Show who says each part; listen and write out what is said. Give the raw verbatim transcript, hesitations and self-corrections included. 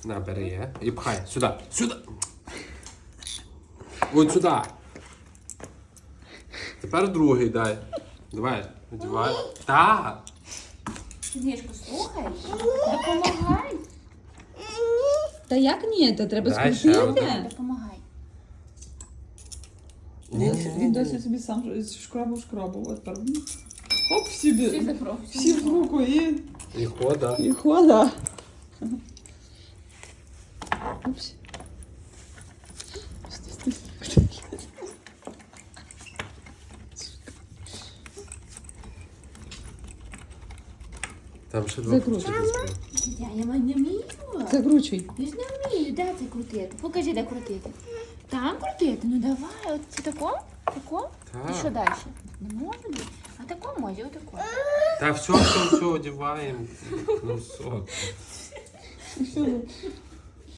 Speaker 1: На, бери. І пхай. Сюди. Сюди. Ось сюди. Тепер другий дай. Давай, одівай. Так.
Speaker 2: Сніжку, слухай. Допомагай.
Speaker 3: Та як ні? Та треба
Speaker 1: Дай ще
Speaker 3: скрутити.
Speaker 2: Допомагай.
Speaker 1: Ні, ні, ні,
Speaker 3: Він
Speaker 1: ні.
Speaker 3: досі собі сам шкрабу шкрабу. От тепер. Хоп, всі,
Speaker 2: Всі закров.
Speaker 3: всі в руку і...
Speaker 1: І хода.
Speaker 3: І хода. Упс. Стой, стой, стой.
Speaker 1: Там ще два
Speaker 3: Закручуй.
Speaker 1: ключики.
Speaker 2: Я, я не вмію.
Speaker 3: Закручуй.
Speaker 2: Я ж не вмію. Де це крутити? Покажи, де крутити. Там крутити? Ну давай. От це тако? Тако?
Speaker 1: Так.
Speaker 2: І що далі? Не може бути. А тако може, отако.
Speaker 1: Та все, все, все, одіваємо. Ну все.
Speaker 3: Все.